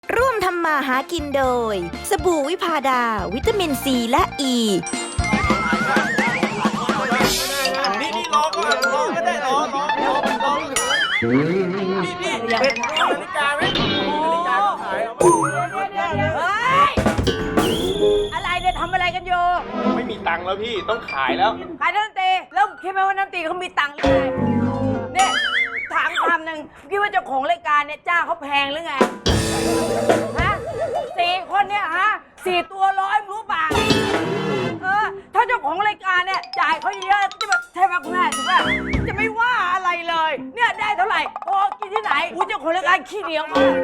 ร่วมทำมาหากินโดยสบู่วิพาดาวิตามินซีและอ e. ีนี่รอก่อนรอก็ได้รอนี่เป็นนาฬิกาไหมนาฬิกาขายอะไรเนี่ยทำอะไรกันอยู่ไม่มีตังค์แล้วพี่ต้องขายแล้วขายน้ำตีแล้วคิดไหมว่าน้ำตีเขามีตังค์หรือไงเนี่ยถามคำหนึ่งคิดว่าเจ้าของรายการเนี่ยจ้างเขาแพงหรือไงฮะ4 คนเนี่ยฮะ4 ตัว100มึงรู้ป่ะถ้าเจ้าของรายการเนี่ยจ่ายเขาเยอะจะแบบใช่ไหมคุณแม่ถูกป่ะจะไม่ว่าอะไรเลยเนี่ยได้เท่าไหร่พอกินที่ไหนกูเจ้าของรายการขี้เหนียวมาก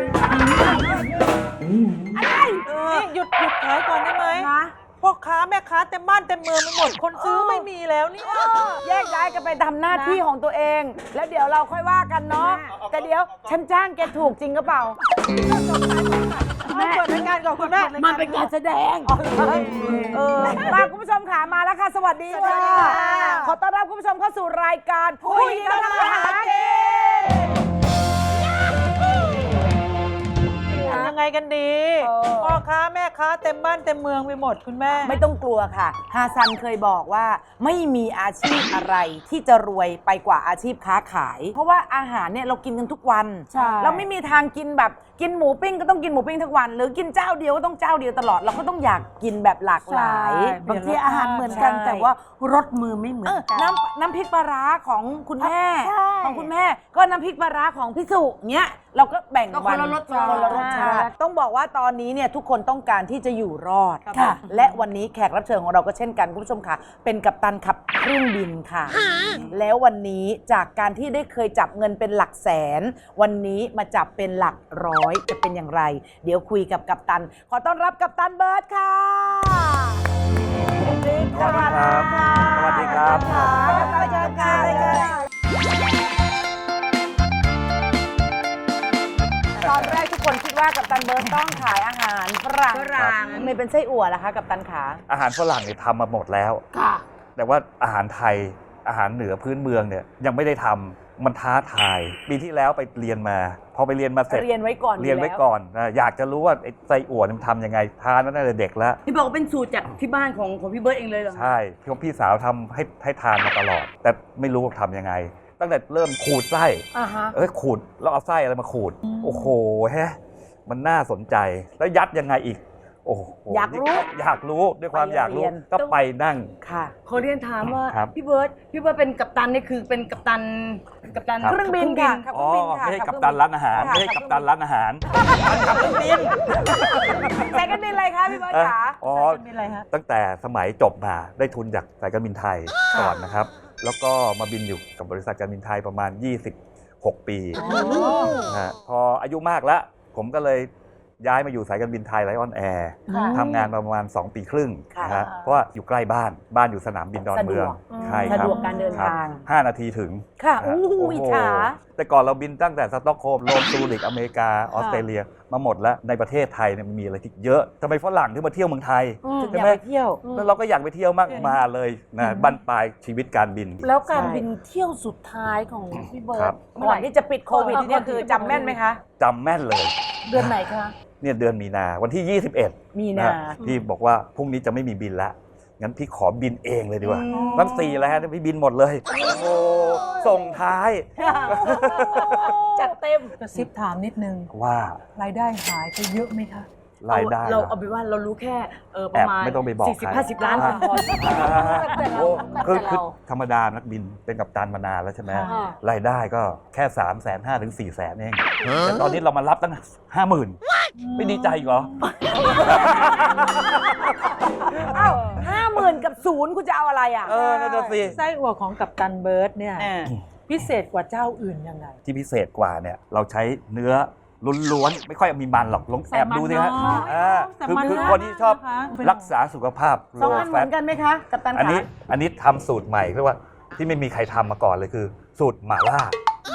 อะไรหยุดขายก่อนได้ไหมนะพ่อค้าแม่ค้าเต็มบ้านเต็มเมืองไปหมดคนซื้อไม่มีแล้วเนี่ยแยกย้ายกันไปทำหน้าที่ของตัวเอง แล้วเดี๋ยวเราค่อยว่ากันเนาะแต่เดี๋ยวฉันจ้างแกถูกจริงหรือเปล่าแม่เปิดรายการก่อนคุณแม่มันเป็นการแสดงมาคุณผู้ชมขามาแล้วค่ะ สวัสดีค่ะ ขอต้อนรับคุณผู้ชมเข้าสู่รายการผู้หญิงกำลังหากินยังไงกันดีพ่อค้าแม่ค้าเต็มบ้านเต็มเมืองไปหมดคุณแม่ไม่ต้องกลัวค่ะฮาซันเคยบอกว่าไม่มีอาชีพอะไรที่จะรวยไปกว่าอาชีพค้าขาย เพราะว่าอาหารเนี่ยเรากินกันทุกวันเราไม่มีทางกินแบบกินหมูปิ้งก็ต้องกินหมูปิ้งทุกวัน หรือกินเจ้าเดียวก็ต้องเจ้าเดียวตลอดเราก็ต้องอยากกินแบบหลากหลายบางทีอาหารเหมือนกันแต่ว่ารสมือไม่เหมือนกันน้ำพริกปลาร้าของคุณแม่ของคุณแม่ก็น้ำพริกปลาร้าของพี่สุเนี้ยเราก็แบ่งวันคนละรสชาติต้องบอกว่าตอนนี้เนี่ยทุกคนต้องการที่จะอยู่รอดค่ะและวันนี้แขกรับเชิญของเราก็เช่นกันคุณผู้ชมค่ะเป็นกัปตันขับเครื่องบินค่ะ แล้ววันนี้จากการที่ได้เคยจับเงินเป็นหลักแสน วันนี้มาจับเป็นหลักร้อยจะเป็นอย่างไร เดี๋ยวคุยกับกัปตันขอต้อนรับกัปตันเบิร์ดค่ะสวัสดีครับสวัสดีครับกัปตันเชิญค่ะตอนแรกทุกคนคิดว่ากัปตันเบิร์ดต้องขายอาหารฝรั่งไม่เป็นไส้อั่วล่ะคะกัปตันขาอาหารฝรั่งเนี่ยทำมาหมดแล้วค่ะแต่ว่าอาหารไทยอาหารเหนือพื้นเมืองเนี่ยยังไม่ได้ทำมันท้าทายปีที่แล้วไปเรียนมาพอไปเรียนมาเสร็จเรียนไว้ก่อนเรียนไว้ก่อนนะอยากจะรู้ว่าไอ้ไส้อั่วมันทำยังไงทานมาตั้งแต่เด็กแล้วพี่บอกว่าเป็นสูตรจากที่บ้านของพี่เบิร์ดเองเลยเหรอใช่พี่สาวทำให้ทานมาตลอด แต่ไม่รู้ว่าทำยังไง ตั้งแต่เริ่มขูดไส้ขูดแล้วเอาไส้อะไรมาขูดโอ้โหมันน่าสนใจแล้วยัดยังไงอีกโอ้โหอยากรู้ด้วยความอยากรู้ก็ไปนั่งค่ะขอเรียนถามว่าครับพี่เบิร์ดเป็นกัปตันนี่คือเป็นกัปตันเครื่องบินค่ะอ๋อไม่ใช่กัปตันร้านอาหารไม่ใช่กัปตันร้านอาหารขับเครื่องบินสายการบินอะไรคะพี่เบิร์ดขาอ๋อเป็นอะไรฮะตั้งแต่สมัยจบมาได้ทุนจากสายการบินไทยก่อนนะครับ แล้วก็มาบินอยู่กับบริษัทการบินไทยประมาณ 26 ปีนะฮะพออายุมากแล้ว ผมก็เลยย้ายมาอยู่สายการบินไทยไลออนแอร์ทำงานประมาณ 2 ปีครึ่งนะฮะเพราะว่าอยู่ใกล้บ้านอยู่สนามบินดอนเมืองใช่ครับสะดวกการเดินทาง 5 นาทีถึงค่ะโอ้อิจโหฉาแต่ก่อนเราบินตั้งแต่สต็อกโฮล์มโรมซูริกอเมริกาออสเตรเลียมาหมดแล้วในประเทศไทยเนี่ยมันมีอะไรที่เยอะทำไมฝรั่งถึงมาเที่ยวเมืองไทยอใช่ยากไหมไปเที่ยวแล้วเราก็อยากไปเที่ยวมากมาเลยนะบั้นปลายชีวิตการบินแล้วการบินเที่ยวสุดท้ายของพี่เบิครัร์บดก่อนที่จะปิดโควิดเนี่ยคือจำแม่นไหมคะจำแม่นเลยเดือนไหนคะเนี่ยเดือนมีนาวันที่ 21 มีนาพี่บอกว่าพรุ่งนี้จะไม่มีบินละงั้นพี่ขอบินเองเลยดีกว่าตั้ง4แล้วพี่บินหมดเลยโอ้โหส่งท้ายจัดเต็มกระซิบถามนิดนึงว่ารายได้หายไปเยอะไหมคะรายได้เราเอาไปนว่าเรารู้แค่ปแอระบมาณไม่ต้องไปบอกใคร 40-50 ล้านพอโอ้คือธรรมดานักบินเป็นกัปตันมานานแล้วใช่ไหมรายได้ก็แค่ 350,000 ถึง 400,000 เองแต่ตอนนี้เรามารับตั้ง 50,000 ไม่ดีใจอีกเหรออ้าว50,000 กับ0คุณจะเอาอะไรอ่ะนั่นน่ะสิไส้อั่วของกัปตันเบิร์ดเนี่ยพิเศษกว่าเจ้าอื่นยังไงที่พิเศษกว่าเนี่ยเราใช้เนื้อล้วนๆไม่ค่อยมีมันหรอกลองแอบดูสิฮะใส่มันน้อยคือคนที่ชอบนะคะรักษาสุขภาพสองอันเหมือนกันไหมคะกัปตันอันขานี้ทำสูตรใหม่เรียกว่าที่ไม่มีใครทำมาก่อนเลยคือ สูตรหม่าล่า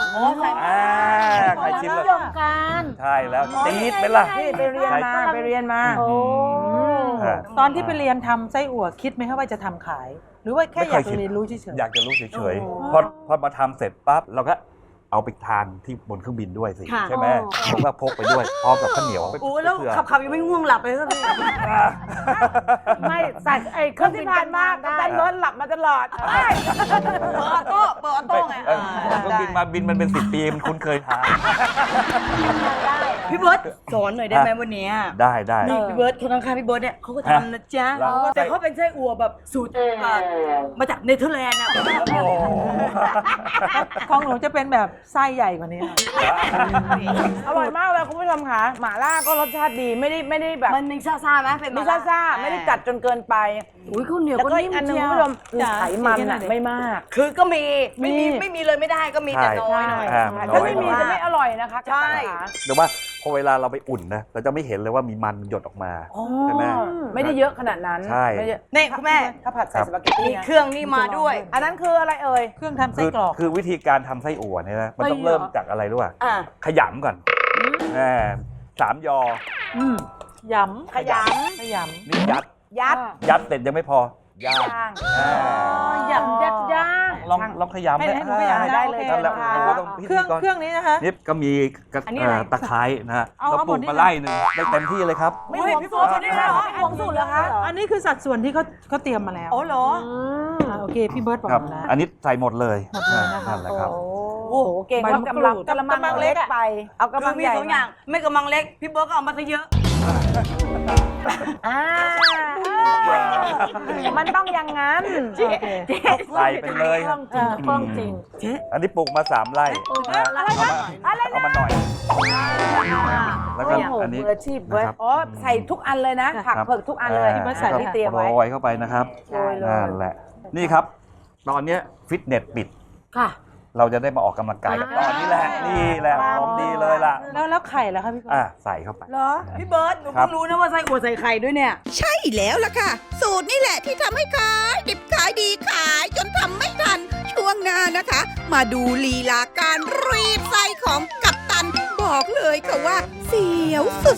ใครชิมแล้วยมกันใช่แล้วตีดไหมล่ะนี่ไปเรียนมาอ่าตอนที่ไปเรียนทำไส้อั่วคิดไหมคะว่าจะทำขาย หรือว่าแค่อยากจะเรียนรู้เฉยอยากจะรู้เฉยโอ้ๆพอมาทำเสร็จปั๊บเราก็เอาไปทานที่บนเครื่องบินด้วยสิค่ะใช่ไหมผมก็พกไปด้วยพร้อมกับข้าวเหนียวโอ้แล้วเผื่อขับยังไม่ง่วงหลับเลยก็พี่ไม่ใส่ไอ้เครื่องที่ผ่านมากัปตันเบิร์ดหลับมาตลอดเปิดออโต้ไงเครื่องบินมาบินมันเป็น10 ปีมันคุ้นเคยทานพี่เบิร์ตสอนหน่อยได้ไหมวันนี้ได้นี่พี่เบิร์ตคนข้างๆพี่เบิร์ตเนี่ยเขาก็ทำนะจ๊ะแล้วแต่เขาเป็นไส้อั่วแบบสูตรมาจากเนเธอร์แลนด์อะโอ้ของหนูจะเป็นแบบไส้ใหญ่กว่านี้ค่ะอร่อยมากเลยคุณผู้ชมค่ะหม่าล่าก็รสชาติดีไม่ได้แบบมันมีซ่าๆไหมเป็นไม่ซ่าๆไม่ได้จัดจนเกินไปอุ้ยข้าวเหนียวแล้วก็ก็นิ่อีมกอันหนึงเชีคุยณวผู้ชมคือไขมันน่ะไม่มากคือก็มีมีไม่มีเลยไม่ได้ก็มีแต่น้อยหน่อยถ้าไม่มีจะไม่อร่อยนะคะใช่เดี๋ยวว่าพอเวลาเราไปอุ่นนะเราจะไม่เห็นเลยว่ามีมันหยดออกมา ใช่ไหมไม่ได้เยอะขนาดนั้นใช่ไม่เยอะนี่คุณแม่ถ้าผัดใส่สปาเกตตี้มีนะเครื่องนี่มาด้วยอันนั้นคืออะไรเอ่ยเครื่องทำไส้กรอกคือวิธีการทำไส้อั่วเนี่ยนะมันต้องไส้เหรอเริ่มจากอะไรรู้ป่ะอ่าขยำก่อน3 ยอยำขยขยนี่ยัดำยัดยัดเสร็จยังไม่พอย่างย่างอ่ายำยัดย่างลองขยำให้หนูขยำได้เลยนั่นแหละค่ะโอ้โหต้องำพิเคธีรื่องกรเครื่องนี้นะคะนี่ก็มีกระอันนี้อะไรตะไคร้นะฮะเอาเราเอาปลูกหมดนี่มาไล่หนึ่งได้เต็มที่เลยครับไม่ห่วงสูตรใช่ไหมคะไม่ห่วงสูตรเหรอคะอันนี้คือสัดส่วนที่เขาเตรียมมาแล้วโอ้เหรอโอเคพี่เบิร์ตบอกครับมาแล้วอันนี้ใส่หมดเลยหมดเลยนะคะนั่นแหละครับโอ้โหเก่งใบว่ามะกรูดกำลังเล็กไป เอากำคืลัอง มีใหญ่ 2 อย่างไม่กำลังเล็กพี่เบิร์ตก็เอามาซะเยอะอ่ามันต้องอย่างนั้นใส่ไปเลยครับคล่องจริงอันนี้ปลูกมา3 ไร่นะเอามาหน่อย แล้วก็โอ้โหอันนี้มืออาชีพเว้ยนะครับอ๋อใส่ทุกอันเลยนะ ผักเผือกทุกอันเลยพี่เบิร์ตใส่ที่เตรียมไว้โรยเข้าไปนะครับโรยเลยนั่นแหละ นี่ครับ ตอนเนี้ยฟิตเนสปิดค่ะเราจะได้มาออกกำลังกายกันตอนนี้แหละ นี่แหละของดีเลยล่ะแล้วไข่แล้วคะพี่เบิร์ตใส่เข้าไปเหรอพี่เบิร์ตหนูครัเพิ่บงรู้นะว่าไส้อั่วใส่ไข่ด้วยเนี่ยใช่แล้วล่ะค่ะ สูตรนี่แหละที่ทำให้ขายดิบขายดีขายจนทำไม่ทัน ช่วงหน้านะคะ มาดูลีลาการรีดไส้ของกัปตัน บอกเลยค่ะว่า เสียวสุด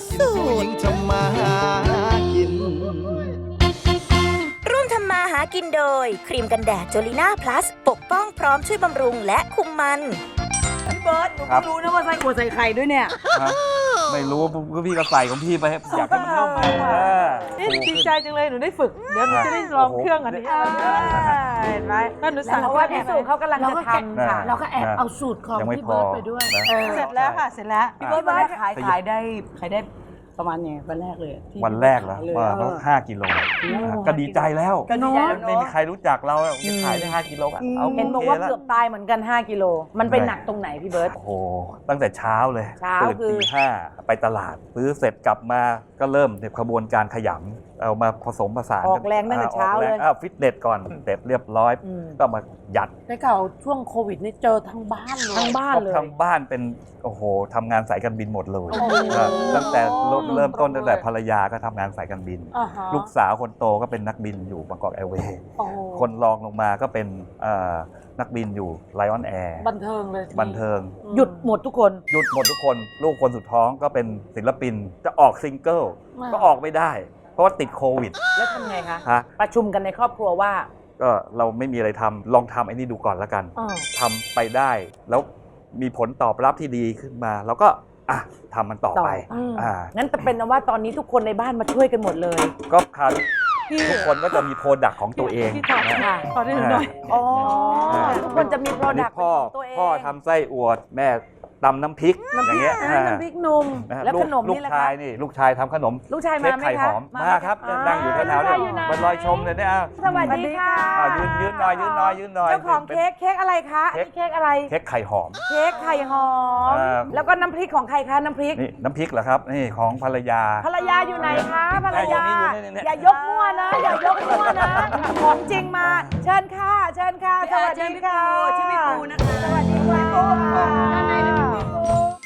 ๆร่วมทำมาหากินโดย ครีมกันแดดจ o ลิน่าพลัสปกป้องพร้อมช่วยบำรุงและคุมมันพี่เบิร์ตหนูครัเพิ่บงรู้นะว่าไส้อั่วใส่ไข่ด้วยเนี่ยฮะไม่รู้พี่ก็ใส่ของพี่ไปอยากให้มันนุ่มนี่ดีใจจังเลยหนูได้ฝึก เดี๋ยวหนูจะได้ลองเครื่องอันนี้เห็นไหมก็หนูสั่งเพราะว่าพี่สุเขากำลังจะทำค่ะเราก็แอบเอาสูตรของพี่เบิร์ดไปด้วยเสร็จแล้วค่ะ เสร็จแล้วพี่เบิร์ตวันแรกขายได้ประมาณไงวันแรกเลยที่วันแรกเหรอเลยว่า5 กิโลก็ดีใจแล้วก็ดีใจแล้วไม่เนาะมีใครรู้จักเราจะขายได้5 กิโลก็เอาเห็นบอกโอว่าเคแล้วเกือบตายเหมือนกัน 5 กิโล มันไปหนักตรงไหนพี่เบิร์ตโอ้โหตั้งแต่เช้าเลยเช้าตื่นคือตี 5ไปตลาดซื้อเสร็จกลับมาก็เริ่มในขบวนการขยำเอามาผสมผสานออกแรงตั้งแต่เช้าเลยฟิตเนสก่อนเสร็จเรียบร้อย ก็มายัดได้ข่าวช่วงโควิดนี่เจอทั้งบ้านเลยทั้งบ้านเลยทำบ้านเป็นโอ้โหทำงานสายการบินหมดเลยตั้งแต่เริ่มต้นตั้งแต่ภรรยาก็ทำงานสายการบินอ่าฮะลูกสาวคนโตก็เป็นนักบินอยู่บางกอกแอร์เวย์โอ้คนรองลงมาก็เป็นนักบินอยู่ไลออนแอร์บันเทิงเลยทีนี้บันเทิงหยุดหมดทุกคนหยุดหมดทุกคน ลูกคนสุดท้องก็เป็นศิลปินจะออกซิงเกิลก็ออกไม่ได้ เพราะว่าติดโควิดแล้วทำไงคะฮะประชุมกันในครอบครัวว่าก็เราไม่มีอะไรทำลองทำไอ้นี่ดูก่อนแล้วกันอ้าวทำไปได้แล้วมีผลตอบรับที่ดีขึ้นมา แล้วก็ทำมันต่อไปงั้นแต่เป็นว่าตอนนี้ทุกคนในบ้านมาช่วยกันหมดเลยก็คราวทุกคนก็จะมีโปรดักต์ของตัวเองพี่ถอดนะค่ะขอได้หนูหน่อยอ๋อ ทุกคนจะมีโปรอันดันี้กต์พ่อตัวเองพ่อทำไส้อวดแม่ตำน้ำพริกอย่างเงี้ยน้ำพริกหนุ่มนะฮะแล้วขนมลูนี่กแหละชายคะนี่ลูกชายทำขนมลูกชายเค้มาก ไหมไข่หคะอมมาครับนั่งอยู่แถวๆลูกชาเนี่ยอยู่ไหนมันลอยชมเลยเนี่ยสวัสดีค่ะยืนหน่อยยืนหน่อยยืนหน่อยเจ้าของเค้กอะไรคะอันนี้เค้กอะไรเค้กไข่หอมเค้กไข่หอม แล้วก็น้ำพริกของใครคะน้ำพริกนี่น้ำพริกเหรอครับนี่ของภรรยาภรรยาอยู่ไหนคะภรรยาอยู่นี่อย่ายกมั่วนะ อย่ายกมั่วนะ ของจริงมา เชิญค่ะ เชิญค่ะ สวัสดีค่ะชื่อพี่ปูนะคะสวัสดีค่ะด้านในเป็นพี่ปู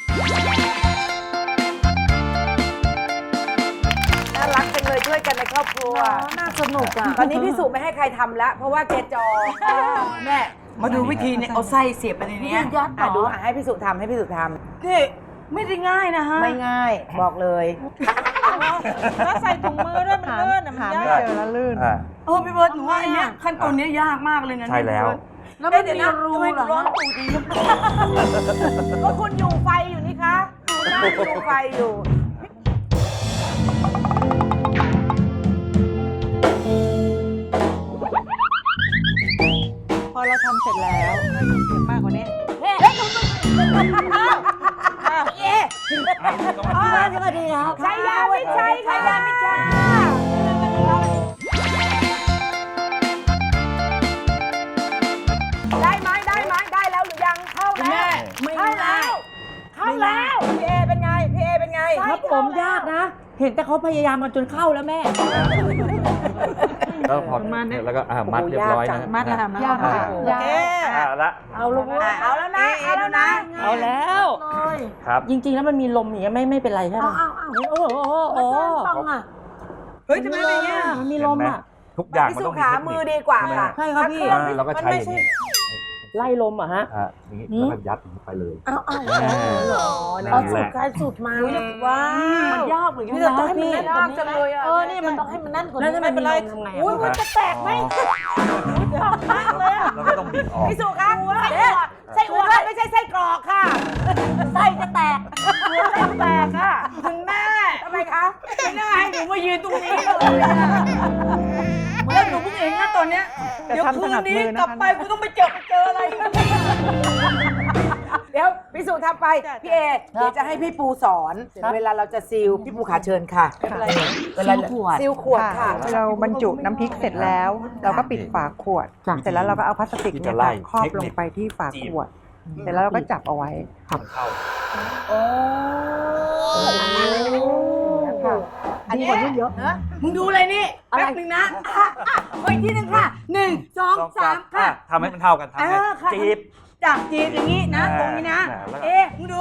น่ารักจังเลยช่วยกันในครอบครัวน่าสนุกอ่ะตอนนี้พี่สุไม่ให้ใครทำแล้ว เพราะว่าเกจอแม่มาดูวิธีเนี่ยเอาไส้เสียบไปในเนี้ยยัดเหรอดูให้พี่สุทำให้พี่สุทนี่ไม่ได้ง่ายนะฮะำไม่ง่ายบอกเลยแล้วใส่ถุงมือด้วยมันลื่นมันยากเจอแล้วลื่นพี่เบิร์ดหนูว่าอันเนี้ยขั้นตอนเนี้ยยากมากเลยนะใช่แล้วแล้วไม่มีรูเหรอฮะก็คุณอยู่ไฟอยู่นี่คะดูหน้าอยู่ไฟอยู่พอเราทำเสร็จแล้วเก็บมากกว่านี้สวัสดีครับชัยยามิชัยชัยยามิชัยได้ไหมได้แล้วหรือยังเข้าแล้วเข้าแล้วพี่เอเป็นไงครับผมยากนะ เห็นแต่เขาพยายามกันจนเข้าแล้วแม่แล้วพอแล้วก็มัดเรียบร้อยนะมัดแล้วยากค่ะละเอาแล้วนะเอาแล้วนะเอาแล้วครับจริงๆแล้วมันมีลมอย่างเงี้ยไม่เป็นไรใช่ไหมโอ้โหฟังอ่ะเฮ้ยทำไมเป็นอย่างเงี้ยมันมีลมอ่ะทุกอย่างพี่มันสุต้องมีขาเทคนิคมือดีกว่าค่ะใช่ครับพี่เราก็ใช้อย่างนี้ไล่ลมอ่ะฮะอย่างนี้แล้วก็ยัดอย่างนี้ไปเลยเอาสูตรใครสูตรมาว้ามันยากเหมือนกันนี่เรานะต้องให้มันพี่แน่นกว่านี้เลยอ่ะนี่มันต้องให้มันแน่นกว่าแล้วนี้จะไม่เป็นไรทำไงอุ้ยมันจะแตกไหมเราก็ต้องบิดออกพี่สุขาไส้อั่วไม่ใช่ไส้กรอกค่ะไส้จะแตกไส้แตกค่ะคุณแม่ทำไมคะไม่น่าให้หนูมายืนตรงนี้เลยเหมือนหนูเพิ่งเห็นนะตอนเนี้ยเดี๋ยวคืนนี้กลับไปกูต้องไปเจออะไรเดี๋ยวพี่สุทำไปพี่เอเดี๋ยวจะให้พี่ปูสอนเวลาเราจะซีลพี่ปูขาเชิญค่ะเวลาซีลขวดค่ะเราบรรจุน้ำพริกเสร็จแล้ว เราก็ปิดฝาขวด เสร็จแล้วเราก็เอาพลาสติกเนี่ยค่ะครอบลงไปที่ฝาขวด เสร็จแล้วเราก็จับเอาไว้อันนี้เยอะมึงดูอะไรนี่แป๊บนึงนะขออีกทีนึงค่ะ1 2 3ค่ะทำให้มันเท่ากันทำให้จีบจับจีบอย่างนี้นะตรงนี้นะแล้วก็เอ๊ะมึงดู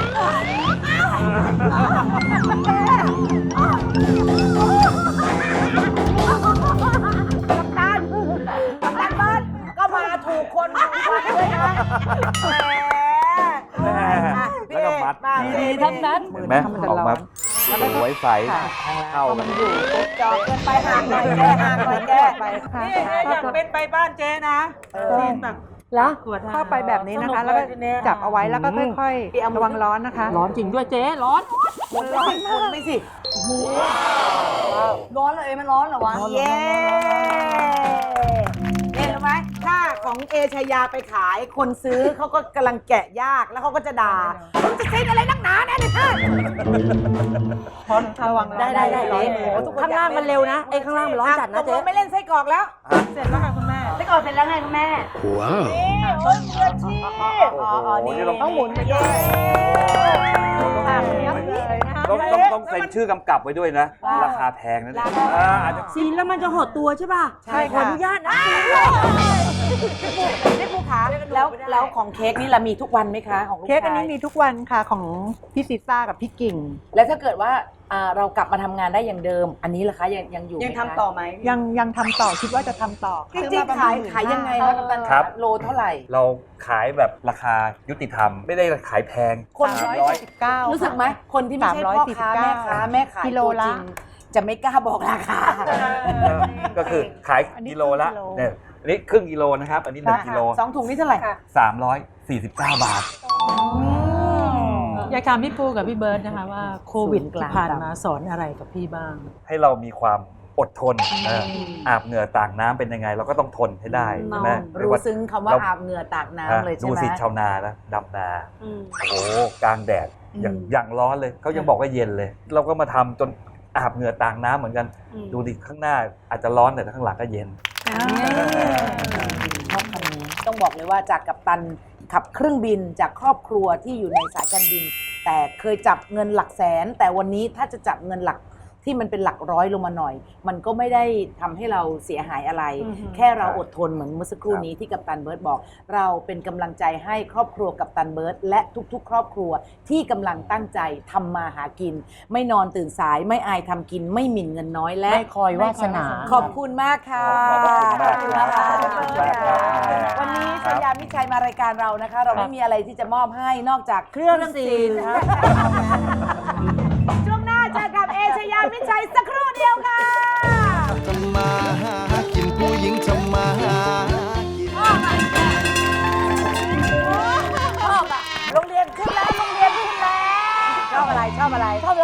กัปตันเบิร์ดก็มาถูกคนเลยนะแล้วก็มัดดีๆทั้งนั้นเห็นไหมออกมาสวยใสเข้ากันจอกเกินไปห่างหน่อยแก้ห่างหน่อยแก้นี่อยากเป็นไปบ้านเจ๊นะซีนแบบแล้วเข้าไปแบบนี้นะคะ แล้วก็จับเอาไว้แล้วก็ค่อยๆระวังร้อนนะคะร้อนจริงด้วยเจ๊ร้อนร้อนคุณไม่สิร้อนเลยมันร้อนเหรอวะเย้เห็นไหมถ้าของเอชายาไปขายคนซื้อเขาก็กำลังแกะยากแล้วเขาก็จะด่าคุณจะเซ็นอะไรนักหนาเนี่ยระวังร้อนได้ข้างล่างมันเร็วนะไอ้ข้างล่างมันร้อนจัดนะเจ๊ไม่เล่นไส้กรอกแล้วเสร็จแล้วค่ะคุณแม่ไส้กรอกเสร็จแล้วไงคุณแม่นี่โอ้ยมืออาชีพนี่ต้องหมุนไปเย้ต้องเซ็นชื่อกำกับไว้ด้วยนะ ราคาแพงนะเนี่ยอาจจะซีนแล้วมันจะหดตัวใช่ป่ะใช่ขอค่ะอนุญาตนะพี่ปูขาแล้วของเค้กนี่เรามีทุกวันไหมคะของลูกชายเค้กอันนี้มีทุกวันค่ะของพี่ซีซ่ากับพี่กิ่งแล้วถ้าเกิดว่าเรากลับมาทำงานได้อย่างเดิม อันนี้ล่ะคะยังอยู่ยังทำต่อไหมยังทำต่อคิดว่าจะทำต่อจริงๆขายยังไงคะกัปตันโลเท่าไหร่เราขายแบบราคายุติธรรม ไม่ได้ขายแพงคนที่ไม่ใช่ 349 รู้สึกไหมคนที่ไม่ใช่พ่อค้าแม่ขายกิโลละตัวจริงจะไม่กล้าบอกราคาก็คือขายกิโลละเนี่ยอันนี้ครึ่งกิโลนะครับ อันนี้1 กิโล 2 ถุงนี่เท่าไหร่ 349 บาทอยากถามพี่ปูกับพี่เบิร์ดนะคะว่าโควิดที่ผ่านมาสอนอะไรกับพี่บ้างให้เรามีความอดทนอาบเหงื่อต่างน้ำเป็นยังไง เราก็ต้องทนให้ได้ใช่ไหมรู้ซึ้งคำว่าอาบเหงื่อตากน้ำเลยใช่ดูไหมสิชาวนานะดำนาโอ้โหกลางแดดอย่างร้อนเลยเขายังบอกว่าเย็นเลย เราก็มาทำจนอาบเหงื่อต่างน้ำเหมือนกัน ดูดิข้างหน้าอาจจะร้อนแต่ข้างหลังก็เย็นชอบคำนี้ต้องบอกเลยว่าจากกัปตันขับเครื่องบินจากครอบครัวที่อยู่ในสายการบิน แต่เคยจับเงินหลักแสน แต่วันนี้ถ้าจะจับเงินหลักที่มันเป็นหลักร้อยลงมาหน่อย มันก็ไม่ได้ทำให้เราเสียหายอะไร แค่เราอดทนเหมือนเมื่อสักครู่นี้ที่กัปตันเบิร์ตบอก เราเป็นกำลังใจให้ครอบครัวกัปตันเบิร์ตและทุกๆ ครอบครัวที่กำลังตั้งใจทำมาหากิน ไม่นอนตื่นสายไม่อายทำกินไม่หมิ่นเงินน้อยและไม่คอยวาสนาขอบคุณมากค่ะขอบคุณมากครับขอบคุณมากค่ะวันนี้ชัยยามิชัยมารายการเรานะคะ เราไม่มีอะไรที่จะมอบให้นอกจากเครื่องซีนช่วงหน้าเจอกับเอชยา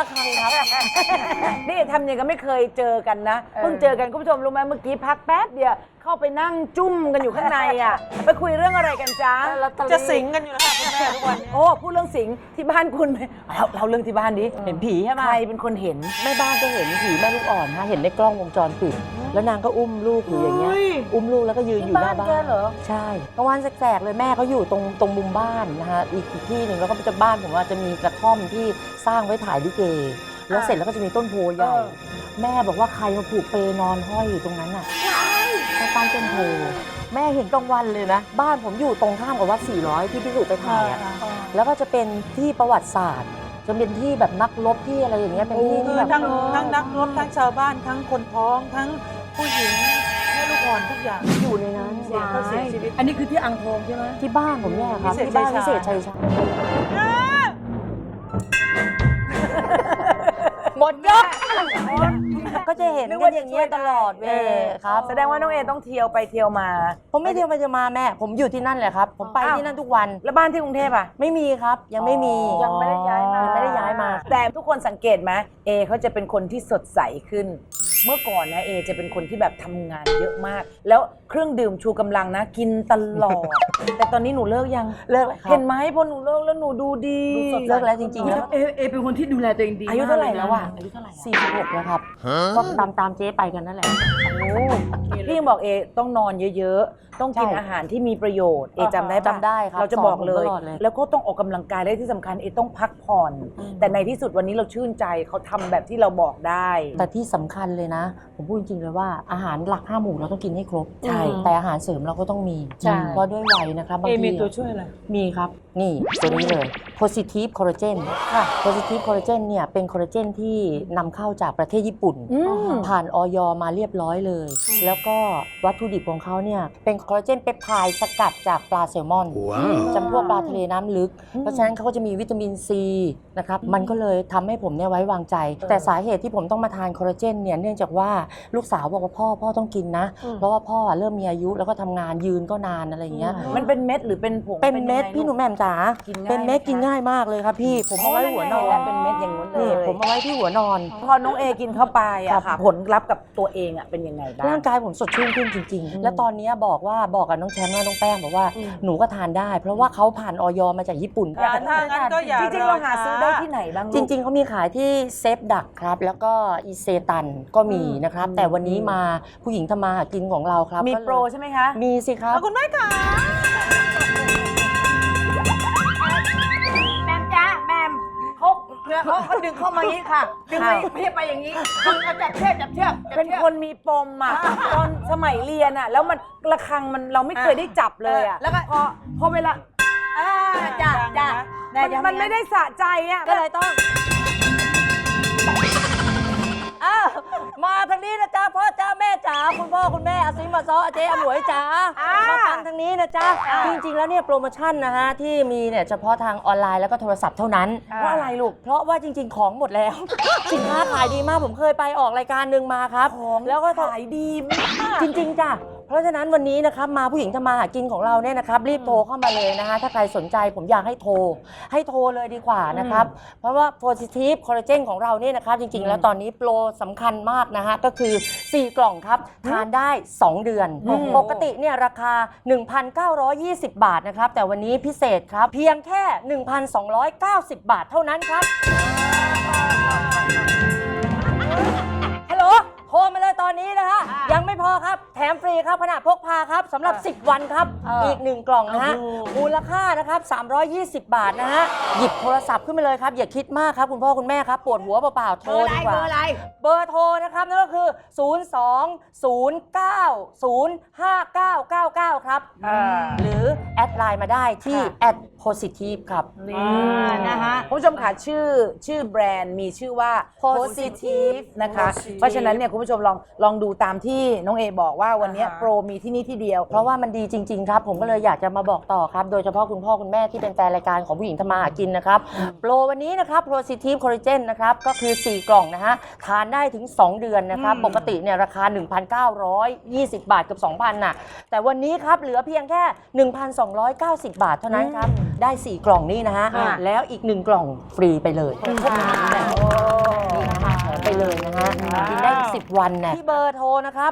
ครังครับนี่ทำอย่างก็ไม่เคยเจอกันนะเพิ่งเจอกันคุณผู้ชมรู้ไหมเมื่อกี้พักแป๊บเดียวเข้าไปนั่งจุ้มกันอยู่ข้างในอ่ะไปคุยเรื่องอะไรกันจ๊ะจะสิงกันอยู่แล้วค่ะคุณแม่ทุกวันนี้โอ้พูดเรื่องสิงที่บ้านคุณไหมเราเรื่องที่บ้านดิเห็นผีใช่ไหมใครเป็นคนเห็นแม่บ้านก็เห็นผีแม่ลูกอ่อนฮะเห็นในกล้องวงจรปิด แล้วนางก็อุ้มลูกอยู่อย่างเงี้ยอุ้มลูกแล้วก็ยืนอยู่หน้าบ้านที่บ้านแกเหรอใช่กลางวันแสกๆเลยแม่เขาอยู่ตรงมุมบ้านนะฮะอีกที่หนึ่งแล้วก็จะบ้านผมว่าจะมีกระท่อมที่สร้างไว้ถ่ายลิเกแล้วเสร็จแล้วก็จะมีต้นโพใหญ่แม่บอกว่าใครมาผูกเปนอนห้อยอยู่ตรงนั้นน่ะใต้ต้นโพแม่เห็นกลางวันเลยนะบ้านผมอยู่ตรงข้ามกับวัด400ที่พี่สุไปถ่ายอะแล้วก็จะเป็นที่ประวัติศาสตร์จะเป็นที่แบบนักรบที่อะไรอย่างเงี้ยเป็นที่ที่แบบทั้งนักรบทั้งชาวบ้านทั้งคนท้องทั้งผู้หญิงแม่ลูกอ่อนทุกอย่างอยู่ในนั้นเสียชีวิตอันนี้คือที่อ่างทองใช่ไหมที่บ้านผมเนี่ยครับพิเศษที่บ้านชัยชาญพิเศษชัยชาญหมดยกก็จะเห็นกันอย่างเงี้ยตลอดเวลยครับแสดงว่าน้องเอต้องเที่ยวไปเที่ยวมาผมไม่เที่ยวไปจะมาแม่ ผมอยู่ที่นั่นแหละครับ ผมไปที่นั่นทุกวันแล้วบ้านที่กรุงเทพอ่ะไม่มีครับ ยังไม่มียังไม่ได้ย้ายมายังไม่ได้ย้ายมาแต่ทุกคนสังเกตไหมเอเขาจะเป็นคนที่สดใสขึ้น เมื่อก่อนนะเอจะเป็นคนที่แบบทำงานเยอะมาก แล้วเครื่องดื่มชูกำลังนะกินตลอด แต่ตอนนี้หนูเลิกยังเลิกแล้วครับเห็นไหมพอหนูเลิกแล้วหนูดูดีเลิกแล้วจริงๆแล้วเอเป็นคนที่ดูแลตัวเองดีอายุเท่าไหร่มกแล้วอ่ะอายุเท่าไหร่ 46แล้วครับก็ตามเจ๊ไปกันนั่นแหละพี่ยังบอกเอต้องนอนเยอะๆ ต้องกินใช่อาหารที่มีประโยชน์เอจำได้ปะจำได้ครับเราจะบอกเลยสอนผมตลอดเลยแล้วก็ต้องออกกำลังกายได้ที่สำคัญเอต้องพักผ่อน แต่ในที่สุดวันนี้เราชื่นใจเขาทำแบบที่เราบอกได้แต่ที่สำคัญเลยนะ ผมพูดจริงๆเลยว่าอาหารหลัก5 หมู่เราต้องกินให้ครบใช่แต่อาหารเสริมเราก็ต้องมีใช่เพราะด้วยวัยนะครับบางเอทีมีตัวช่วยอะไรมีครับ นี่ตัวนี้เลย positive collagen ค่ะ positive collagen เนี่ยเป็นคอลลาเจนที่นำเข้าจากประเทศญี่ปุ่น ผ่านออยมาเรียบร้อยเลย แล้วก็วัตถุดิบของเขาเนี่ยเป็นคอลลาเจนเปปไทด์สกัดจากปลาแซลมอนจำพวกปลาทะเลน้ำลึก เพราะฉะนั้นเขาก็จะมีวิตามินซีนะครับมันก็เลยทำให้ผมเนี่ยไว้วางใจ แต่สาเหตุที่ผมต้องมาทานคอลลาเจนเนี่ยเนื่องจากว่าลูกสาวบอกว่าพ่อต้องกินนะ เพราะว่าพ่อเริ่มมีอายุแล้วก็ทำงานยืนก็นานอะไรอย่างเงี้ยมันเป็นเม็ดหรือเป็นผงเป็นเม็ดยังไงพี่หนูลูกแหม่มจ๋ากินง่ายเป็นเม็ดไหมคะกินง่ายมากเลยครับพี่ ผมเอาไว้หัวนอนเป็นเม็ดอย่างนู้นเลนี่ยผมเอาไว้ที่หัวนอนพอน้องเอกินเข้าไปครัอะบค่ะผลลัพธ์กับตัวเองอะเป็นยังไงบ้างร่างกายผมสดชื่นขึ้นจริง ๆ แล้วตอนนี้บอกกับน้องแชมป์และน้องแป้งบอกว่าหนูก็ทานได้ เพราะว่าเขาผ่านออยมาจากญี่ปุ่นถ้างั้นก็อย่าจริงๆเราหาซื้อได้ที่ไหนบ้างลูกจริง ๆเขามีขายที่เซฟดักครับ แล้วก็อีเซตันก็มีนะครับ แต่วันนี้มาผู้หญิงทำมาหากินของเราครับมีก็เลยโปรใช่ไหมคะมีสิครับคุณแม่ค่ะแมมจ้าแมมเขาดึงเข้ามาอย่างนี้ค่ะ ดึงไปไม่ใช่ไปอย่างนี้ดึงเอาจับเชือกจับเชือกเป็นคนมีปมอะตอนสมัยเรียนอะแล้วมันระฆังมันเราไม่เคยได้จับเลยอะแล้วก็พอเวลาจ้าจ้ามันไม่ได้สะใจอะก็เลยต้องมาทางนี้นะจ๊ะพ่อจ้าแม่จ๋าคุณพ่อคุณแม่อาซิมาซออาเจ๊อาหมวยจ๋ามาฟังทางนี้นะจ๊ะจริงๆแล้วเนี่ยโปรโมชั่นนะฮะที่มีเนี่ยเฉพาะทางออนไลน์แล้วก็โทรศัพท์เท่านั้นเพราะอะไรลูกเพราะว่าจริง ๆ ของหมดแล้ว สินค้าขายดีมากผมเคยไปออกรายการหนึ่งมาครับของแล้วก็ขายดีมากจริง ๆจ้ะเพราะฉะนั้นวันนี้นะครับมาผู้หญิงทำมาหากินของเราเนี่ยนะครับรีบโทรเข้ามาเลยนะคะถ้าใครสนใจผมอยากให้โทรเลยดีกว่านะครับเพราะว่า positive collagen ของเราเนี่ยนะครับจริง ๆ แล้วตอนนี้โปรสำคัญมากนะฮะก็คือ 4 กล่องครับทานได้ 2 เดือนปกติเนี่ยราคา 1,920 บาทนะครับแต่วันนี้พิเศษครับเพียงแค่ 1,290 บาทเท่านั้นครับฮัลโหลโทรมาเลยตอนนี้นะฮะยังไม่พอครับแถมฟรีครับขณะพกพาครับสำหรับ 10 วันครับอีก 1 กล่องนะฮะมูลค่านะครับ320 บาทนะฮะหยิบโทรศัพท์ขึ้นมาเลยครับอย่าคิดมากครับคุณพ่อคุณแม่ครับปวดหัวเปล่าๆโทรดีกว่าเบอร์โทรนะครับนั่นก็คือ 02-090-5999 ครับหรือแอดไลน์มาได้ที่@positive ครับนะฮะคุณผู้ชมค่ะชื่อแบรนด์มีชื่อว่า Positive นะคะ เพราะฉะนั้นเนี่ยคุณผู้ชมลองดูตามที่น้องเอบอกว่าวันนี้โปรมีที่นี่ที่เดียวเพราะว่ามันดีจริง ๆ ครับ ผมก็เลยอยากจะมาบอกต่อครับ โดยเฉพาะคุณพ่อคุณแม่ที่เป็นแฟนรายการของผู้หญิงทำมาหากินนะครับโปรวันนี้นะครับ Positive Collagen นะครับก็คือ 4 กล่องนะฮะทานได้ถึง 2 เดือนนะครับปกติเนี่ยราคา 1,920 บาทเกือบ 2,000 น่ะแต่วันนี้ครับเหลือเพียงแค่ 1,290 บาทเท่านั้นครับได้ 4 กล่องนี้นะฮะแล้วอีก 1 กล่องฟรีไปเลยนี่นะคะแถมไปเลยนะฮะกินได้อีก 10 วันเนี่ยที่เบอร์โทรนะครับ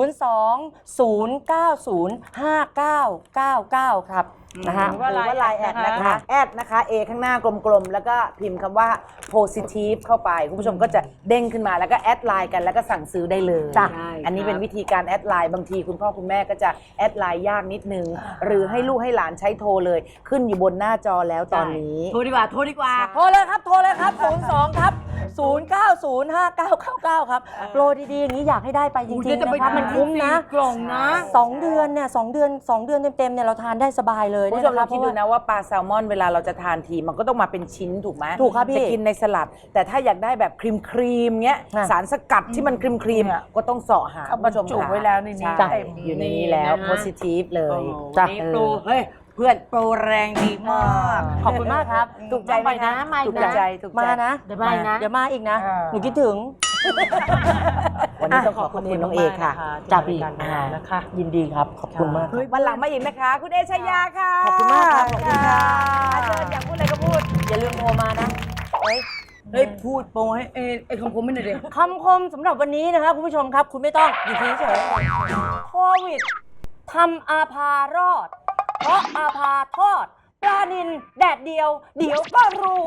02-090-5999 ครับนะฮะหรือว่าไลน์แอดนะคะแอดนะคะ A ข้างหน้ากลมๆ แล้วก็พิมพ์คำว่า positive เข้าไป คุณผู้ชมก็จะเด้งขึ้นมาแล้วก็แอดไลน์กันแล้วก็สั่งซื้อได้เลยจ้ะอันนี้เป็นวิธีการแอดไลน์บางทีคุณพ่อคุณแม่ก็จะแอดไลน์ยากนิดนึง หรือให้ลูกให้หลานใช้โทรเลยขึ้นอยู่บนหน้าจอแล้วตอนนี้โทรดีกว่าโทรดีกว่าโทรเลยครับ 02 ครับ 090-5999 ครับ โปรดีๆ อย่างนี้อยากให้ได้ไปจริงๆนะครับ มันคุ้มนะกล่องนะ 2 เดือนเนี่ย2 เดือนเต็มๆเนี่ยเราทานได้สบายเลยคุณผู้ชมลองคิดดูนะว่าปลาแซลมอนเวลาเราจะทานทีมันก็ต้องมาเป็นชิ้นถูกไหมถูกครับพี่จะกินในสลัด แต่ถ้าอยากได้แบบครีมเงี้ยอ่ะสารสกัดที่มันครีมก็ต้องเสาะหาเขาบรรจุไว้แล้วในนี้ใช่เต็มอยู่ในนี้แล้วนี่นะฮะ positive เลยจ้ะนี่โปรเฮ้ยเพื่อนโปรแรงดีมากขอบคุณมากครับถูกใจไหมนะมาอีถูกกนะใจถูกใจมานะเดี๋ยวมาอีกนะเดี๋ยวมาอีกนะอ่าหนูคิดถึงวันนี้ต้องขอบคุณน้องเอค่ะจ้าพี่นะคะยินดีครับ ขอบคุณมากวันหลังมาอีกนะคะ คุณเอชยาค่ะขอบคุณมากครับขอบคุณค่ะเชิญอยากพูดอะไรก็พูดอย่าลืมโทรมานะเฮ้ยพูดโปรให้ไอ้คำคมไม่หน่อยดิคำคมสำหรับวันนี้นะครับคุณผู้ชมครับ คุณไม่ต้องอยู่เฉยๆโควิดทำอาภารอด เพราะอาภาทอดปลานินแดดเดียว เดี๋ยวก็รวย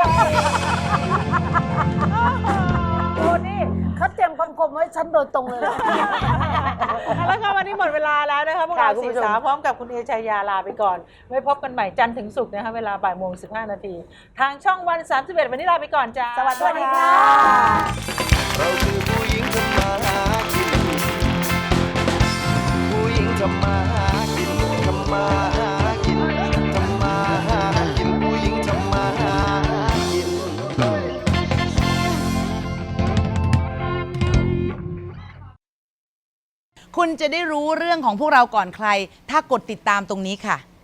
โอ้นี่เขาเตรียมคำคมไว้ฉันโดยตรงเลยแล้วก็วันนี้หมดเวลาแล้วนะคะพวกเราค่ะคุณสี่ผู้ชมสาวพร้อมกับคุณเอชายาลาไปก่อน ไว้พบกันใหม่จันทร์ถึงศุกร์นะคะเวลาบ่ายโมง15 นาที ทางช่องวัน 31 วันนี้ลาไปก่อนจ้าสวัสดีค่ะเราคือผู้หญิงทำมาหากิน ผู้หญิงทำมาหากินทำมาหากินทำมาหากินผู้หญิงทำมาหากินคุณจะได้รู้เรื่องของพวกเราก่อนใคร ถ้ากดติดตามตรงนี้ค่ะ